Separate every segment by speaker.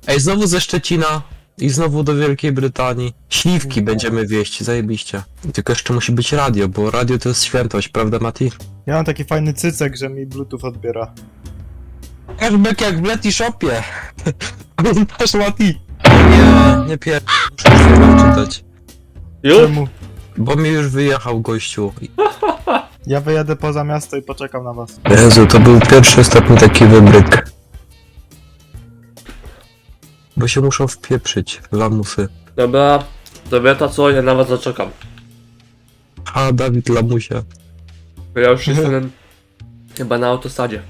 Speaker 1: Ej, znowu ze Szczecina i znowu do Wielkiej Brytanii. Śliwki będziemy wieść, zajebiście. Tylko jeszcze musi być radio, bo radio to jest świętość, prawda Mati?
Speaker 2: Ja mam taki fajny cycek, że mi Bluetooth odbiera.
Speaker 1: Cashback jak w Leti Shopie. Pamiętasz Mati? Nie muszę już czytać.
Speaker 3: Już?
Speaker 2: Czemu?
Speaker 1: Bo mi już wyjechał gościu.
Speaker 2: Ja wyjadę poza miasto i poczekam na was.
Speaker 1: Jezu, to był pierwszy ostatni taki wybryk. Bo się muszą wpieprzyć, lamusy.
Speaker 3: Dobra, to co, ja na was zaczekam.
Speaker 1: A, Dawid Lamusia.
Speaker 3: Bo ja już jestem chyba na autostradzie.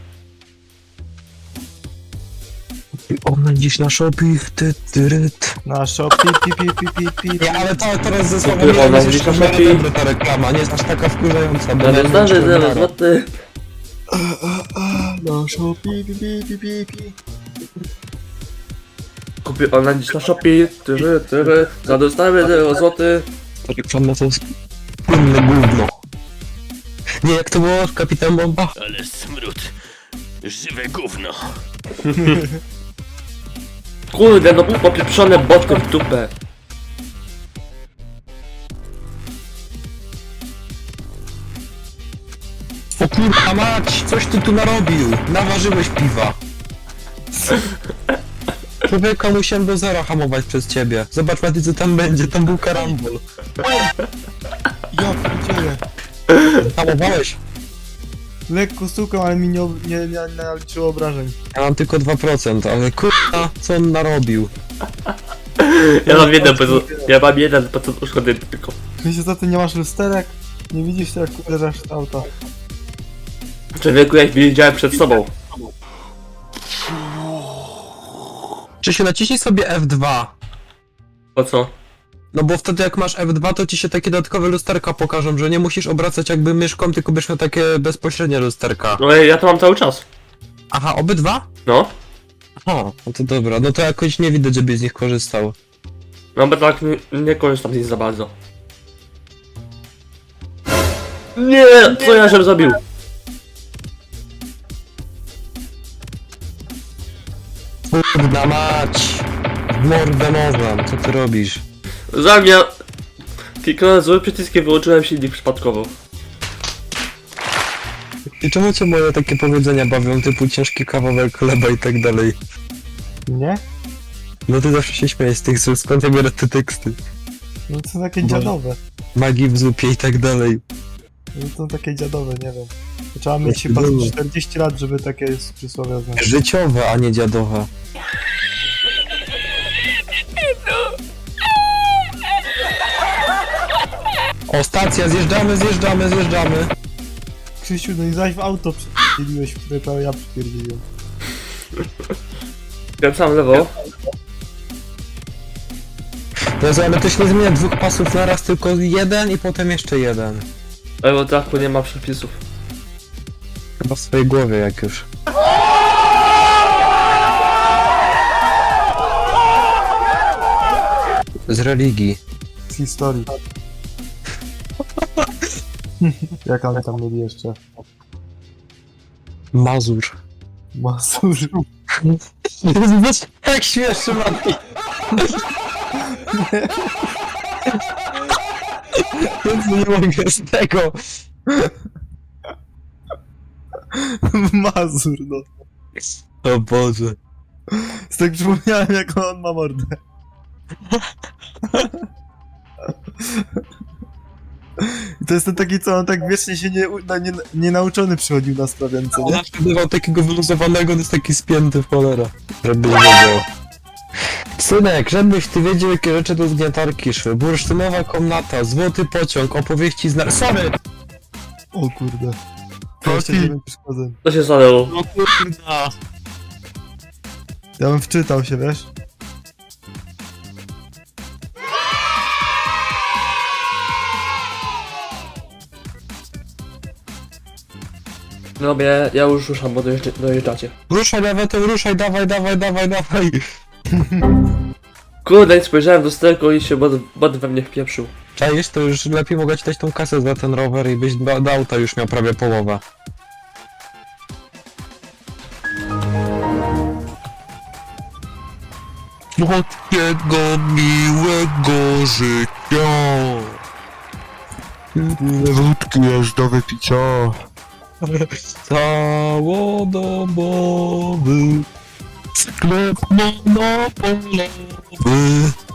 Speaker 1: Ona dziś na shopping,
Speaker 2: Na shop, pi.
Speaker 1: Nie, ale to teraz ze słowem
Speaker 3: Kupię ona
Speaker 1: jest
Speaker 3: dziś
Speaker 1: jeszcze
Speaker 3: na shopping.
Speaker 1: dobre ta reklama, nie jest aż taka wkurzająca. bo
Speaker 3: Ale
Speaker 1: ja
Speaker 3: zdarzy,
Speaker 1: wiem, czy
Speaker 3: zaraz,
Speaker 1: nara.
Speaker 3: złoty.
Speaker 2: Na shop, pi.
Speaker 3: Kupię online dziś na Shopee, za dostawę 0 zł.
Speaker 1: Ta reklama to jest płynne gówno. Nie, jak to było? Kapitan Bomba?
Speaker 4: Ale smród. Żywe gówno.
Speaker 3: Kurde, no popieprzone boty w dupę.
Speaker 1: O kurwa mać, coś ty tu narobił. Naważyłeś piwa. Człowieka musiałem do zera hamować przez ciebie. Zobacz Mati, co tam będzie, tam był karambol.
Speaker 2: Ja pierdzielę.
Speaker 1: Hamowałeś?
Speaker 2: Lekko stukam, ale mi nie naliczyło obrażeń.
Speaker 1: Ja mam tylko 2%, ale kurwa, co on narobił?
Speaker 3: Ja mam 1% uszkody tylko.
Speaker 2: Krzysiu, co ty nie masz lusterek? Nie widzisz jak uderzasz w auto.
Speaker 3: Człowieku, jak widziałem przed sobą.
Speaker 1: Czy się naciśnij sobie F2?
Speaker 3: Po co?
Speaker 1: No bo wtedy jak masz F2, to ci się takie dodatkowe lusterka pokażą, że nie musisz obracać jakby myszką, tylko będziesz miał takie bezpośrednie lusterka.
Speaker 3: No ja to mam cały czas.
Speaker 1: Aha, obydwa?
Speaker 3: No.
Speaker 1: O, no to dobra, no to jakoś nie widać, żebyś z nich korzystał.
Speaker 3: No bo tak nie korzystam z nich za bardzo. Nie! Co ja żem zrobił?
Speaker 1: Kurda mać! W mordę nożem, co ty robisz?
Speaker 3: Zamiast... Kliknąłem złym przyciskiem, wyłączyłem silnik przypadkowo.
Speaker 1: I czemu cię moje takie powiedzenia bawią, typu ciężki kawałek chleba i tak dalej?
Speaker 2: Nie?
Speaker 1: No ty zawsze się śmiejesz z tych słów, skąd ja biorę te teksty?
Speaker 2: No to są takie
Speaker 1: Boże.
Speaker 2: dziadowe.
Speaker 1: Magii w zupie i tak dalej.
Speaker 2: No to są takie dziadowe, nie wiem. To trzeba mieć
Speaker 1: Jakie
Speaker 2: chyba
Speaker 1: były?
Speaker 2: 40 lat, żeby takie przysłowie znać.
Speaker 1: Życiowe, a nie dziadowe. O, stacja, zjeżdżamy.
Speaker 2: Krzysiu, no i zaś w auto przypierdzieliłeś, które prawie ja przypierdzieliłem.
Speaker 3: Kręcam lewo.
Speaker 1: Jezu, ale to się nie zmienia dwóch pasów na raz, tylko jeden i potem jeszcze jeden.
Speaker 3: Lewo traku nie ma przepisów.
Speaker 1: Chyba w swojej głowie jak już. Z religii.
Speaker 2: Z historii. Jak oni tam mieli jeszcze?
Speaker 1: Mazur.
Speaker 2: Masur.
Speaker 1: Jezu, jak śmieszny Mati. Jezu, nie mogę z tego.
Speaker 2: Mazur, no.
Speaker 1: O Boże.
Speaker 2: Z tak przypomniałem, jak on ma mordę. I to jest ten taki, co on tak wiecznie się nie nauczony przychodził na sprawiance,
Speaker 1: On
Speaker 2: nie?
Speaker 1: zawsze bywał takiego wyluzowanego, on jest taki spięty w cholera. Żebyś wiedział. Synek, żebyś ty wiedział, jakie rzeczy do zgniatarki szły. Bursztynowa komnata, złoty pociąg, opowieści z Sorry!
Speaker 2: O kurde. 29 przeszkodzeń.
Speaker 3: Co się stanęło?
Speaker 1: No kurda.
Speaker 2: Ja bym wczytał się, wiesz?
Speaker 3: No ja już ruszam, bo dojeżdżacie.
Speaker 1: Ruszaj lewetem, ruszaj, dawaj.
Speaker 3: Kurde, nie spojrzałem do sterku i się bot we mnie wpieprzył.
Speaker 1: Czaisz, to już lepiej mogę ci dać tą kasę za ten rower i byś do auta już miał prawie połowę. słodkiego, miłego życia.
Speaker 2: Ile wódki jest do wypicia?
Speaker 1: Całodobowy sklep monopolowy.